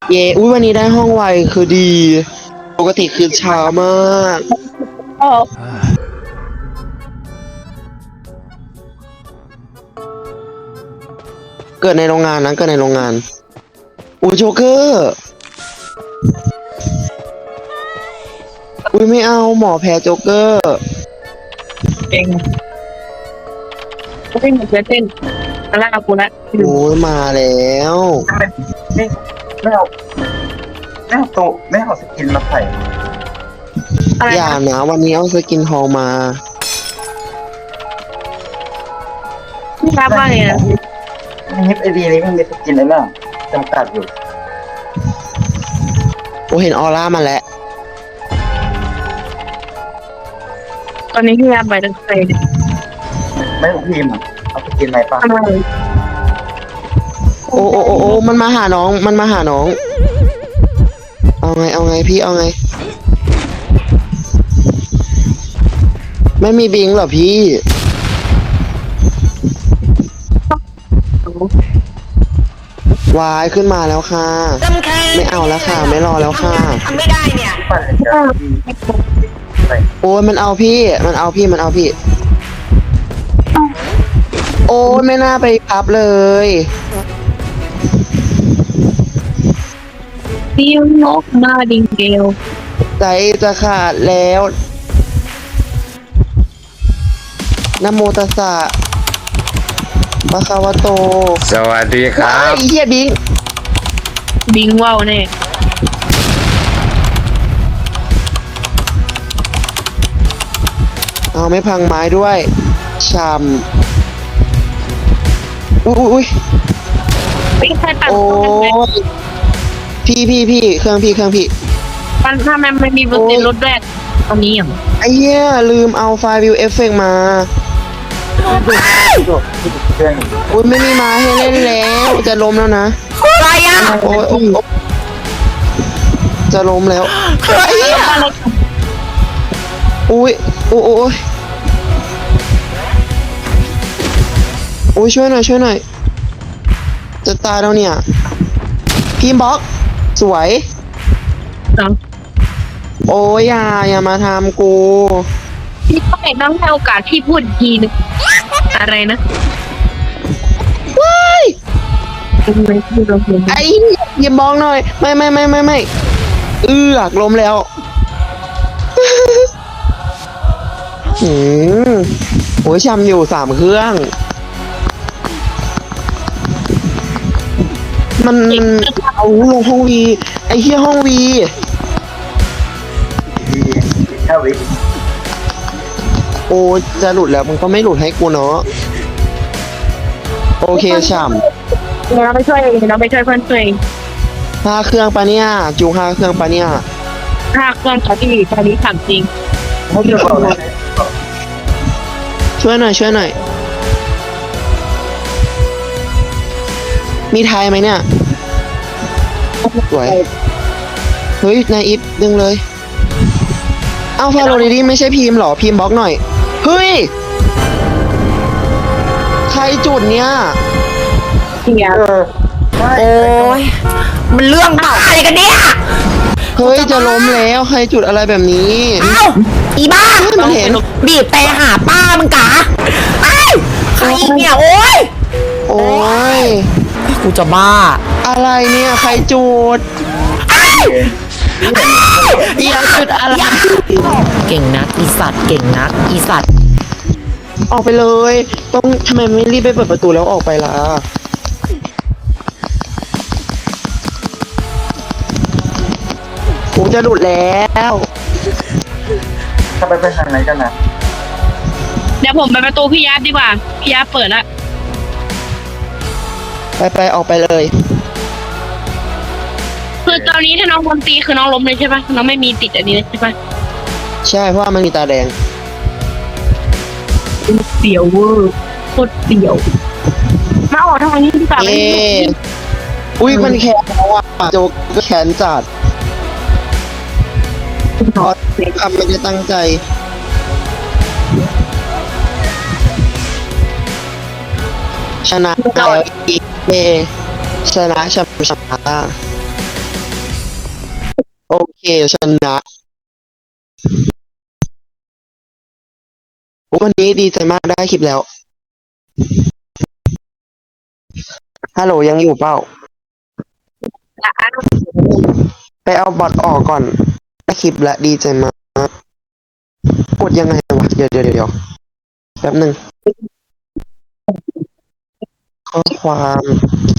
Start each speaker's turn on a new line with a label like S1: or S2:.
S1: เย่อุ้ยวันนี้ได้ห้องไวคือดีปกติคือช้ามาก
S2: อ๋อ
S1: เกิดในโรงงานนะเกิดในโรงงานอุ้ยโจ๊กเกอร์อุ้ยไม่เอาหมอแพ้โจ๊กเกอร์
S2: เองเต้นเต้นเต้นตะล่ากูละ
S1: โอ้ยมาแล้ว
S3: ไม่ไม่เอาไม่เอาโตไม่เอาสกินมาใส่
S2: อะไร
S1: อย่า
S2: นะ
S1: นะวันนี้เอาสกินทองมา
S2: พี่รับว่าไงนะ
S3: ฮิปไอดีนี้มันมีสกินอะไรบ้างจำกัดอยู่
S1: โอ้เห็นออร่ามาแล้ว
S2: ตอนนี้พี่รับไปตั้งใจเลย
S3: ไม่ต้องพิมพ์เอาสกินอะไรป่ะ
S2: ทำไม
S1: โอ้โอ้โอ้โอ้มันมาหาน้องมันมาหาน้องเอาไงเอาไงพี่เอาไงไม่มีบิงเหรอพี่วายขึ้นมาแล้วค่ะไม่เอาแล้วค่ะไม่รอแล้วค่ะ
S3: ที่ปั่นเลยจ้ะไป
S1: โอ้ยมันเอาพี่มันเอาพี่มันเอาพี่โอ้ยไม่น่าไปพับเลย
S2: ฟิวนกมาดิงเกล
S1: ใจจะขาดแล้วนะโมตัสสะปะคะวะโต
S4: สวัสดีครั
S1: ว้าย
S4: บ
S1: อีเหี้ยบิง
S2: บิงว่าวแน่
S1: เอาไม่พังไม้ด้วยชามอุ้ย
S2: ไม่ใช่ปั่น
S1: โอ้ยพี่เครื่องพี่
S2: ปั่นถ้ามันมีเปอร์เซ็นต์ลดแรกตรงนี้อย่าง
S1: ไอ้เหี้ยลืมเอาไฟล์วิวเอฟเฟกมา
S3: โดดที่เครื่อง
S1: อุ้ยไม่มีไม้ให้เล่นแล้วจะล้มแล้วนะ
S2: อะไรอ่ะ
S1: โอ้ยจะล้มแล้วอุ้ยโอ้ยอุ้ยช่วยหน่อยจะตายแล้วเนี่ยพิมพ์บล็อกสวย โอ้ยอย่ามาทำกู
S2: พี่ต้องให้โอกาสพี่พูดอีกทีนึงอะไรนะ
S1: ว้าย
S2: ไม่พูดเราเพียง
S1: ไอ้อย่ามองหน่อย ไม่ล้มแล้วโอ้ยชำอยู่3 เครื่อง มันเอาลงห้องวีไอ้เหี้ยห้องวี
S3: ดีแค่วิ
S1: โอ้จะหลุดแล้วมันก็ไม่หลุดให้กูเนาะโอเคฉ่ำ
S2: เราไปช่วยเพื่อนตัวเอง
S1: 5 เครื่องปะเนี่ยจู5 เครื่องปะเนี่ย
S2: ถ้าเครื่องเขาที่ตอนนี้ถามจริง
S3: ไม่เกี่ยวกับอะไร
S1: ช่วยหน่อยมีไทยไหมเนี่ยสวยเฮ้ยนายอิฟดึงเลยเอาฟาโรดีไม่ใช่พิมพ์หรอพิมพ์บล็อกหน่อยเฮ้ยใครจุดเนี่ย
S2: เสีย
S3: ใช่
S5: โอ้ยมันเรื่องบ้าอะไรกันเนี่ย
S1: เฮ้ยจะล้มแล้วใครจุดอะไรแบบนี้
S5: เอ้าอีบ้า
S1: เฮ้ยมันเห็น
S5: บีบแต่หาป้ามึงกะไอ้ายใครอีกเนี่ยโอ้ย
S1: โอ้ย
S5: กูจะบ้า
S1: อะไรเนี่ยใครจุด อยากจุดอะไร
S5: เก่งนักอีสัตว์เก่งนักอีสัตว์
S1: ออกไปเลยต้องทำไมไม่รีบไปเปิดประตูแล้วออกไปล่ะกูจะหลุดแล้ว
S3: ถ้าไปทางไหนกันนะ
S2: เดี๋ยวผมไปประตูพี่ยับดีกว่าพี่ยับเปิดละ
S1: ไปออกไปเลย
S2: คือตอนนี้ถ้าน้องโดนตีคือน้องล้มเลยใช่ปะน้องไม่มีติดอันนี้เลยใช่ปะ
S1: ใช่เพราะว่ามันมีตาแดง
S2: เสียวเวอร์โคตรเสียวมาออกทางนี้ดีกว่า
S1: เอ๊ะอุ้ยมันแขนแล้วอ่ะโจกก็แขนจัดทำไม่ได้ตั้งใจชนะแล้วอีกชนะชนะโอเคชนะวันนี้ดีใจมากได้คลิปแล้ว ฮัลโหลยังอยู่เปล่า ไปเอาบอทออกก่อนได้คลิปและดีใจมาก กดยังไงวะ เดี๋ยวแป๊บหนึ่งข้อความ